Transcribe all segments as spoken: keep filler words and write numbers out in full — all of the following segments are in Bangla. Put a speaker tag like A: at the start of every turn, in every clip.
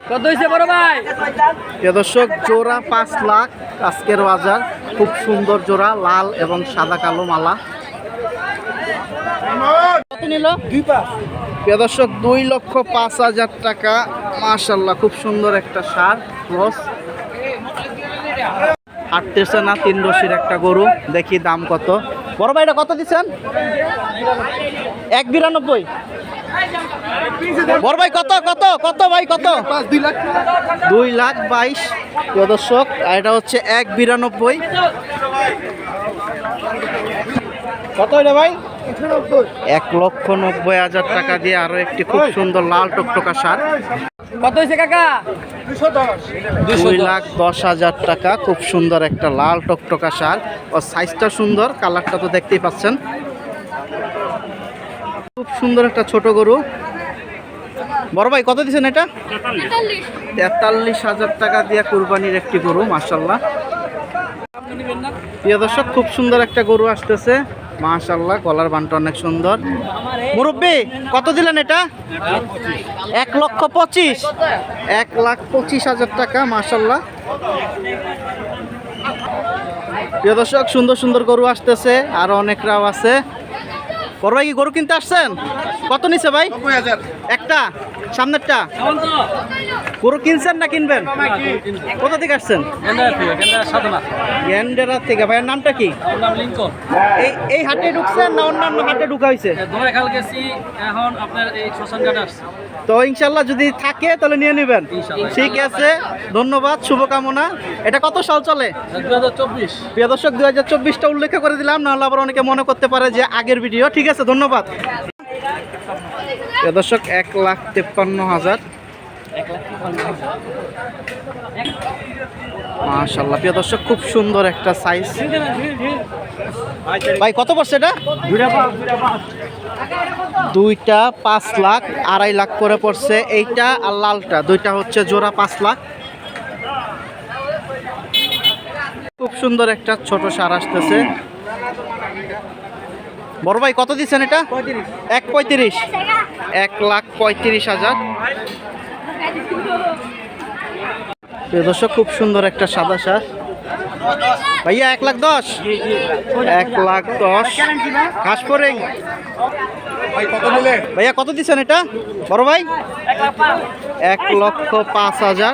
A: কত হয়েছে বড় ভাই?
B: প্রিয় দর্শক, জোড়া পাঁচ লাখ আজকের বাজার। খুব সুন্দর জোড়া, লাল এবং সাদা কালো মালা। কত নিল? প্রিয় দর্শক, দুই লক্ষ পাঁচ হাজার টাকা। মাশাল্লাহ, খুব সুন্দর একটা সার ক্রস। হাঁটতেছে না, তিন রশির একটা গরু। দেখি দাম কত। বড় ভাই, এটা কত দিচ্ছেন? এক বিরানব্বই। বড় ভাই, কত কত কত ভাই কত? দুই লাখ বাইশ। প্রিয় দর্শক, এটা হচ্ছে এক বিরানব্বই। কত এটা ভাই? এক লক্ষ নব্বই হাজার টাকা দিয়ে আরো একটি খুব সুন্দর লাল টকটকা সার।
A: কত হয়েছে কাকা?
B: দুই লাখ দশ হাজার টাকা। খুব সুন্দর একটা লাল টকটকা সার। ও সাইজটা সুন্দর, কালারটা তো দেখতেই পাচ্ছেন। খুব সুন্দর একটা ছোট গরু। বড় ভাই, কত দিচ্ছেন এটা? তেতাল্লিশ হাজার টাকা দিয়ে কুরবানির একটি গরু। মাশাল্লাহ, প্রিয় দর্শক, খুব সুন্দর একটা গরু আসতেছে। মাশাল্লাহ, গলার বানটা অনেক সুন্দর। মুরব্বি, কত দিলেন এটা? এক লক্ষ পঁচিশ। এক লাখ পঁচিশ হাজার টাকা। মাশাল্লাহ, প্রিয় দর্শক, সুন্দর সুন্দর গরু আসতেছে, আরো অনেকরাও আছে। বড় ভাই, কি গরু কিনতে আসছেন? কত নিছে ভাই? একটা সামনেরটা গরু কিনছেন না কিনবেন? কোথা থেকে আসছেন? গ্যান্ডেরা থেকে। ভাইয়ের নামটা কি? এই এই হাটে ঢুকছেন না অন্যান্য হাটে ঢুকা হয়েছে? তো ইনশাল্লাহ যদি থাকে তাহলে নিয়ে নেবেন। ঠিক আছে, ধন্যবাদ, শুভকামনা। এটা কত সাল চলে? প্রিয় দর্শক, দুই হাজার চব্বিশটা উল্লেখ করে দিলাম, নাহলে আবার অনেকে মনে করতে পারে যে আগের ভিডিও। ঠিক আছে, ধন্যবাদ। প্রিয় দর্শক, এক লাখ তেপ্পান্ন হাজার। মাশাআল্লাহ, প্রিয় দর্শক, খুব সুন্দর একটা সাইজ। ভাই, কত পড়ছে এটা? দুইটা পাঁচ লাখ, আড়াই লাখ করে পড়ছে। এইটা আর লালটা, দুইটা হচ্ছে জোড়া পাঁচ লাখ। খুব সুন্দর একটা ছোট সার আসতেছে। বড় ভাই, কত দিচ্ছেন এটা? এক পঁয়ত্রিশ। এক লাখ পঁয়ত্রিশ হাজার। প্রিয় দর্শক, খুব সুন্দর একটা সাদা সার। ভাইয়া, এক লাখ দশ। এক লাখ দশ। ঘাস পরে ভাইয়া, কত দিচ্ছেন এটা? বড় ভাই, এক লক্ষ পাঁচ হাজার।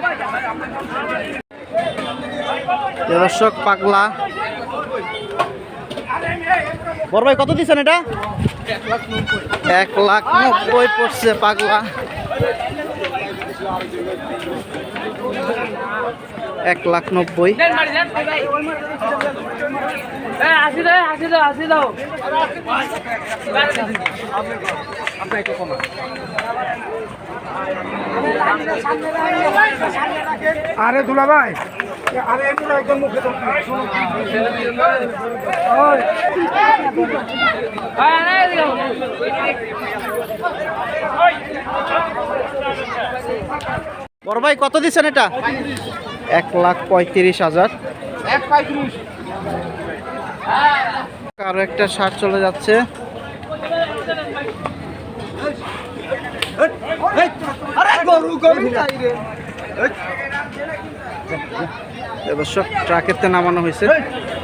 B: প্রিয় দর্শক, পাগলা। বড় ভাই, কত দিচ্ছেন এটা? এক লাখ নব্বই পড়ছে পাগলা। এক লাখ নব্বই।
C: আরে দুলা ভাই, আরে এগুলো একদম মুখে
B: বড় ভাই, কত দিচ্ছেন এটা? এক লাখ পঁয়ত্রিশ হাজার। আরো একটা শার্ট চলে যাচ্ছে। দর্শক, ট্রাকেতে নামানো হয়েছে।